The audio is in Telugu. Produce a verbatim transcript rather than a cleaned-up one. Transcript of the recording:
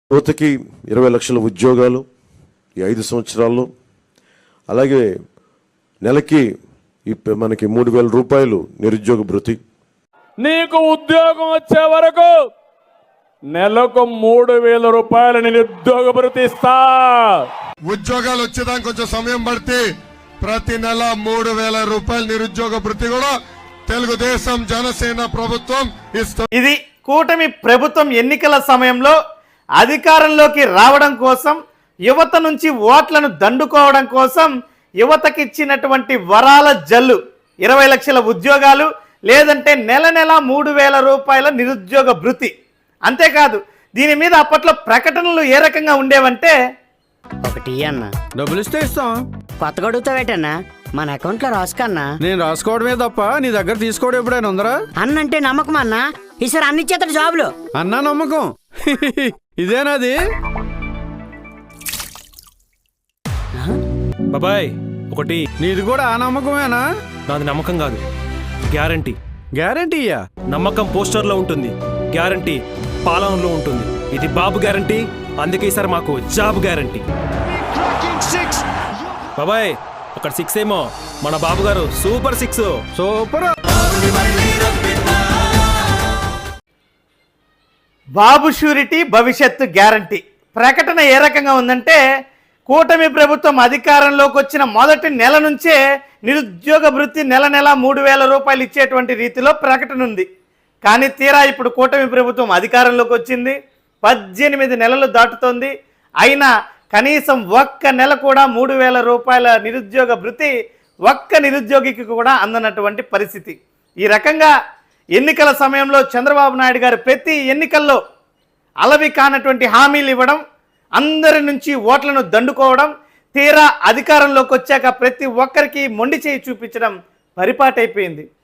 యువతకి ఇరవై లక్షల ఉద్యోగాలు ఈ ఐదు సంవత్సరాల్లో, అలాగే నెలకి మనకి మూడు వేల రూపాయలు నిరుద్యోగ భృతి. నీకు ఉద్యోగం వచ్చే వరకు నెలకు మూడు వేల రూపాయల నిరుద్యోగ భృతి ఇస్తా. ఉద్యోగాలు వచ్చేదానికి కొంచెం సమయం పడితే ప్రతి నెల మూడు వేల రూపాయల నిరుద్యోగ భృతి కూడా తెలుగుదేశం జనసేన ప్రభుత్వం ఇస్తుంది. ఇది కూటమి ప్రభుత్వం ఎన్నికల సమయంలో అధికారంలోకి రావడం కోసం, యువత నుంచి ఓట్లను దండుకోవడం కోసం యువతకి ఇచ్చినటువంటి వరాల జల్లు. ఇరవై లక్షల ఉద్యోగాలు, లేదంటే నెల నెల మూడు వేల రూపాయల నిరుద్యోగ భృతి. అంతేకాదు, దీని మీద అప్పట్లో ప్రకటనలు ఏ రకంగా ఉండేవంటే, ఒకటి అన్న డబ్బులు ఇస్తే ఇస్తాం, కొత్తగా అడుగుతావేటన్నా, మన అకౌంట్ లో రాసుకన్నా. నేను రాసుకోవడమే తప్ప నీ దగ్గర తీసుకోవడం ఎప్పుడైనా ఉందరా? అన్నంటే నమ్మకం అన్నా, ఈసారి అన్ని చేతడు జాబులు. అన్నా నమ్మకం ఇదేనాది? బాబాయ్ ఒకటి. నీది కూడా ఆ నమ్మకమేనా? నాది నమ్మకం కాదు, గ్యారంటీ. గ్యారంటీయా? నమ్మకం పోస్టర్లో ఉంటుంది, గ్యారంటీ పాలనలో ఉంటుంది. ఇది బాబు గ్యారంటీ, అందుకే ఈసారి మాకు జాబ్ గ్యారంటీ. బాబాయ్ అక్కడ సిక్స్ ఏమో, మన బాబు గారు super six. Super. Babu surety భవిష్యత్తు గ్యారంటీ ప్రకటన ఏ రకంగా ఉందంటే, కూటమి ప్రభుత్వం అధికారంలోకి వచ్చిన మొదటి నెల నుంచే నిరుద్యోగ భృతి నెల నెల మూడు వేల రూపాయలు ఇచ్చేటువంటి రీతిలో ప్రకటన ఉంది. కానీ తీరా ఇప్పుడు కూటమి ప్రభుత్వం అధికారంలోకి వచ్చింది, పద్దెనిమిది నెలలు దాటుతోంది. అయినా కనీసం ఒక్క నెల కూడా మూడు వేల రూపాయల నిరుద్యోగ భృతి ఒక్క నిరుద్యోగికి కూడా అందనటువంటి పరిస్థితి. ఈ రకంగా ఎన్నికల సమయంలో చంద్రబాబు నాయుడు గారు ప్రతి ఎన్నికల్లో అలవి కానటువంటి హామీలు ఇవ్వడం, అందరి నుంచి ఓట్లను దండుకోవడం, తీరా అధికారంలోకి వచ్చాక ప్రతి ఒక్కరికి మొండి చేయి చూపించడం పరిపాటైపోయింది.